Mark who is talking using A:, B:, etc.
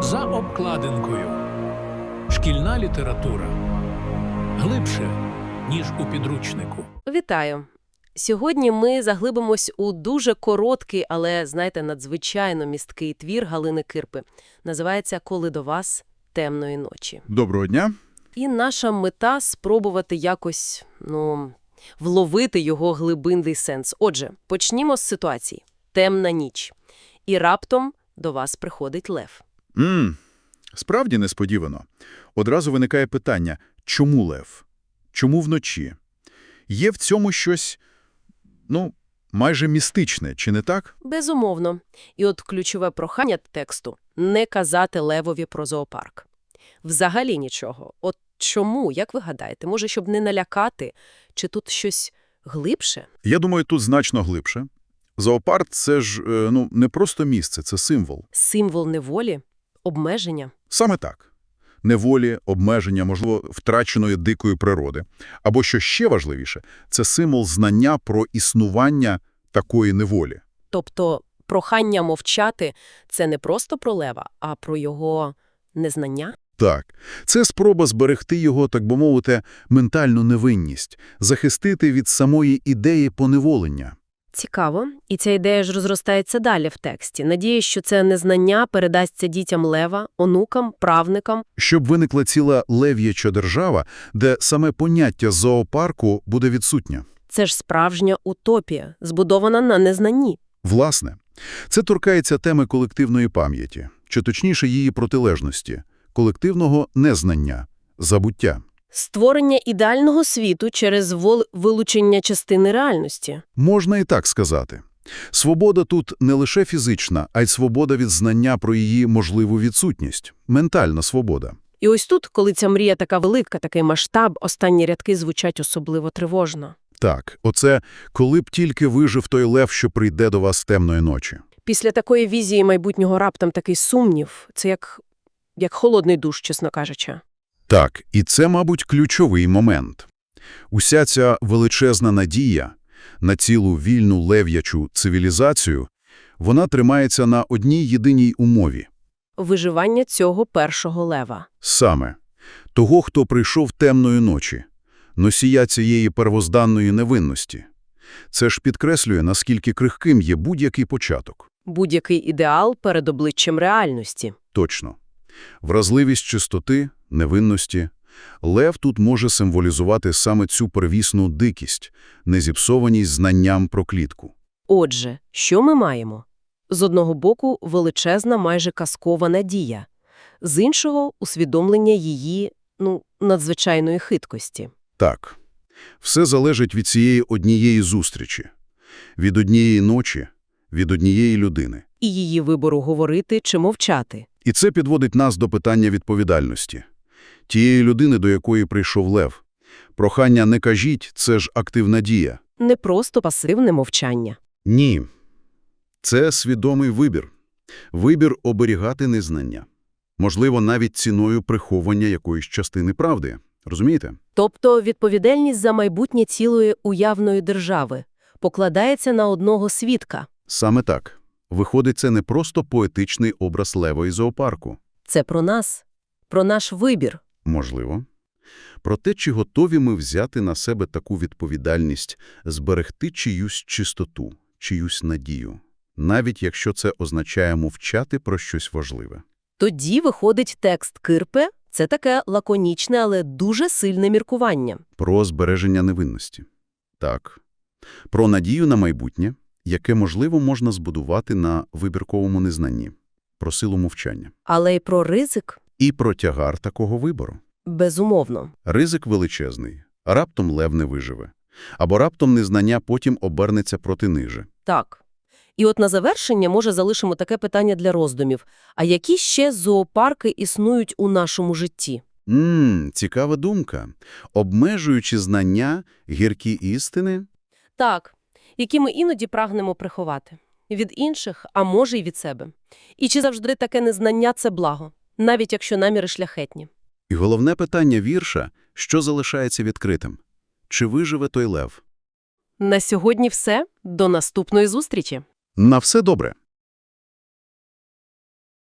A: За обкладинкою. Шкільна література. Глибше, ніж у підручнику.
B: Вітаю! Сьогодні ми заглибимось у дуже короткий, але, знаєте, надзвичайно місткий твір Галини Кирпи. Називається «Коли до вас темної ночі».
C: Доброго дня.
B: І наша мета – спробувати якось, вловити його глибинний сенс. Отже, почнімо з ситуації. Темна ніч. І раптом до вас приходить лев.
C: Справді несподівано. Одразу виникає питання, чому лев? Чому вночі? Є в цьому щось, майже містичне, чи не так?
B: Безумовно. І от ключове прохання тексту – не казати левові про зоопарк. Взагалі нічого. От чому, як ви гадаєте? Може, щоб не налякати? Чи тут щось глибше?
C: Я думаю, тут значно глибше. Зоопарк – це ж, не просто місце, це символ.
B: Символ неволі? Обмеження?
C: Саме так. Неволі, обмеження, можливо, втраченої дикої природи. Або, що ще важливіше, це символ знання про існування такої неволі.
B: Тобто прохання мовчати – це не просто про лева, а про його незнання?
C: Так. Це спроба зберегти його, так би мовити, ментальну невинність, захистити від самої ідеї поневолення.
B: Цікаво. І ця ідея ж розростається далі в тексті. Надіюсь, що це незнання передасться дітям лева, онукам, правникам.
C: Щоб виникла ціла лев'яча держава, де саме поняття зоопарку буде відсутнє.
B: Це ж справжня утопія, збудована на незнанні.
C: Власне, це торкається теми колективної пам'яті, чи точніше її протилежності – колективного незнання, забуття.
B: Створення ідеального світу через вилучення частини реальності.
C: Можна і так сказати. Свобода тут не лише фізична, а й свобода від знання про її можливу відсутність. Ментальна свобода.
B: І ось тут, коли ця мрія така велика, такий масштаб, останні рядки звучать особливо тривожно.
C: Так, оце «коли б тільки вижив той лев, що прийде до вас темної ночі».
B: Після такої візії майбутнього раптом такий сумнів. Це як холодний душ, чесно кажучи.
C: Так, і це, мабуть, ключовий момент. Уся ця величезна надія на цілу вільну лев'ячу цивілізацію, вона тримається на одній єдиній умові.
B: Виживання цього першого лева.
C: Саме. Того, хто прийшов темної ночі. Носія цієї первозданної невинності. Це ж підкреслює, наскільки крихким є будь-який початок.
B: Будь-який ідеал перед обличчям реальності.
C: Точно. Вразливість чистоти, невинності. Лев тут може символізувати саме цю первісну дикість, незіпсованість знанням про клітку.
B: Отже, що ми маємо? З одного боку, величезна, майже казкова надія. З іншого – усвідомлення її, надзвичайної хиткості.
C: Так. Все залежить від цієї однієї зустрічі. Від однієї ночі, від однієї людини.
B: І її вибору говорити чи мовчати.
C: І це підводить нас до питання відповідальності. Тієї людини, до якої прийшов лев. Прохання «не кажіть» – це ж активна дія.
B: Не просто пасивне мовчання.
C: Ні. Це свідомий вибір. Вибір оберігати незнання. Можливо, навіть ціною приховання якоїсь частини правди. Розумієте?
B: Тобто відповідальність за майбутнє цілої уявної держави покладається на одного свідка.
C: Саме так. Виходить, це не просто поетичний образ лева і зоопарку.
B: Це про нас, про наш вибір.
C: Можливо. Про те, чи готові ми взяти на себе таку відповідальність, зберегти чиюсь чистоту, чиюсь надію, навіть якщо це означає мовчати про щось важливе.
B: Тоді виходить текст Кирпи – це таке лаконічне, але дуже сильне міркування.
C: Про збереження невинності. Так. Про надію на майбутнє, яке, можливо, можна збудувати на вибірковому незнанні. Про силу мовчання.
B: Але й про ризик.
C: І про тягар такого вибору.
B: Безумовно.
C: Ризик величезний. Раптом лев не виживе. Або раптом незнання потім обернеться проти ниже.
B: Так. І от на завершення, може, залишимо таке питання для роздумів. А які ще зоопарки існують у нашому житті?
C: Цікава думка. Обмежуючи знання, гіркі істини?
B: Так, які ми іноді прагнемо приховати. Від інших, а може й від себе. І чи завжди таке незнання – це благо? Навіть якщо наміри шляхетні.
C: І головне питання вірша – що залишається відкритим? Чи виживе той лев?
B: На сьогодні все. До наступної зустрічі.
C: На все добре.